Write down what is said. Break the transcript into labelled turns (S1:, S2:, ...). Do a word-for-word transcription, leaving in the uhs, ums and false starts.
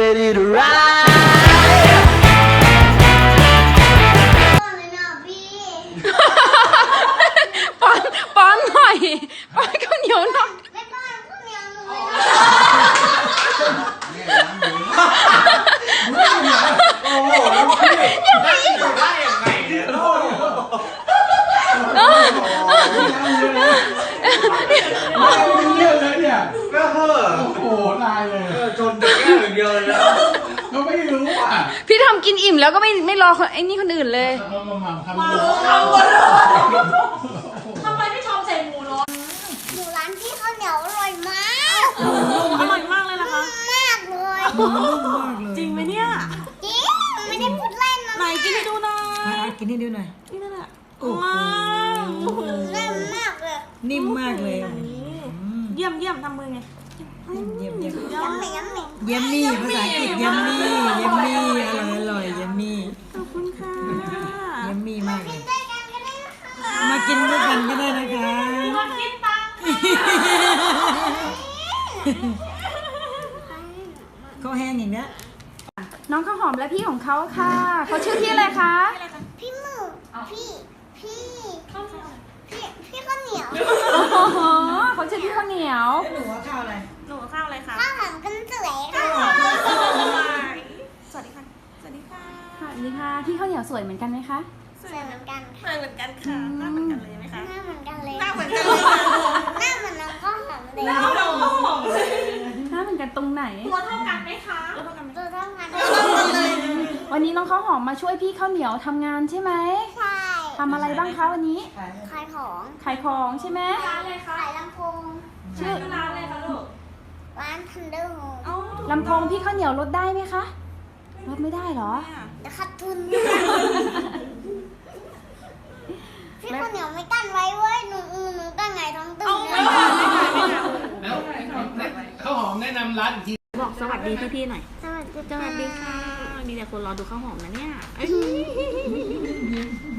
S1: ready to ride
S2: ป้อนป้อนหน่อยป้อนข้าวเหนียวหน่อย
S3: ไม่ป้อนข้าวเหนียวหนูเลย
S4: โอ้โหยังไม่อยู่ได้ยังไงเนี่ยโอ้โหเยอะเลยเนี่ยก็เฮ้อโอ้โหตายเลยจนเด็กแค่อย่างเดียวเลยนะก็ไม่รู้อ่ะ
S2: พี่ทำกินอิ่มแล้วก็ไม่ไม่รอไอ้นี่คนอื่นเลย
S4: มามามาทำ
S5: มา
S4: ดู
S5: ทำหมดเลยทำไมไม่ชอบใส่หมูร้อน
S3: หนูร้านพี่ข้าวเหนียวอร่อยมาก
S5: อร่อยมากเลยนะคะ
S3: มากเลย
S5: จริงไหมเนี่ย
S3: จริงไม่ได้พูดเล่นนะ
S5: ไหนกินให้ดูหน่อย
S6: กินให้ดูหน่อย
S5: นี่นั่นแหละ
S6: โอ้โห
S5: ว้าว
S3: เล่นมากเลย
S6: นิ่มมากเลย
S5: เยี่ยมเยี่ยมทำมือไง
S6: เยี่ยมเยี่ยม
S3: ย้ำหน่อยย้ำหน่อย
S6: เยี่ยมมี่ภาษาอังกฤษเยี่ยมมี่เยี่ยมมี่อร่อยอร่อยเยี่ยมมี่
S5: ขอบคุณค่ะ
S6: เยี่ยมมี่มากเลย
S3: ด้วยกันก็ได้นะคะ
S6: มากินด้วยกันก็ได้นะคะ
S5: มาคิดตังค์
S6: เขาแห้งอย่างเนี้ย
S2: น้องข้าวหอมและพี่ของเขาค่ะเขาชื่อพี่อะไรคะ
S3: พี่หมึกพี่พี่พี่พี่ข้าวเหนียว
S2: โอ้โหเขาชื่อพี่ข้าวเหนียว
S6: หนูว่าข้าวอะไร
S5: หนูข้าวอะไรคะ
S3: ข้าวหอมกันสวยค่ะ
S5: สวัสดีค่ะ สวัสดีค่ะ
S2: สวัสดีค่ะพี่ข้าวเหนียวสวยเหมือนกันไหมคะ
S3: สวยเหมือนกัน
S5: เหมือนกันค่ะหน้าเหมือนกันเลยไหมคะ
S3: หน้าเหมือนกันเลย
S5: หน้าเหมือนกันเลย
S3: หน้าเหมือนน้องข้าวหอมเลย
S5: หน้าเราหอมเลย
S2: หน้าเหมือนกันตรงไหน
S5: ตัวเท่ากันไหมคะตัวเท่ากัน
S3: ตัวเท่ากัน
S5: เลย
S2: วันนี้น้องข้าวหอมมาช่วยพี่ข้าวเหนียวทำงานใช่ไหม
S3: ใช่
S2: ทำอะไรบ้างคะวันนี้
S3: ขายของ
S2: ขายของใช่ไหม
S5: ร้านอะไรคะ
S3: ขายลำโพง
S2: ชื่อ
S5: ร้านอะไรคะลูก
S3: ร้านทันเดอร์โฮม
S5: เอ้า
S2: ลำโพงพี่ข้าวเหนียวลดได้ไหมคะลดไม่ได้เหรอ
S3: จะขาดทุนพี่ข้าวเหนียวไม่กั้นไว้เว้ยหนูหนูกั้นไงท้องตึง
S5: เอา
S3: เล
S5: ไม่
S3: ย
S5: ได้ไม่ได้ไม่ได้
S4: แล้วข้าวหอมแนะนำร้านอีกที
S5: บอกสวัสดีพี่ๆหน่อย
S3: สวัสดี
S5: สวัสดีค่ะ มีแต่คนรอดูข้าวหอมนะเนี่ย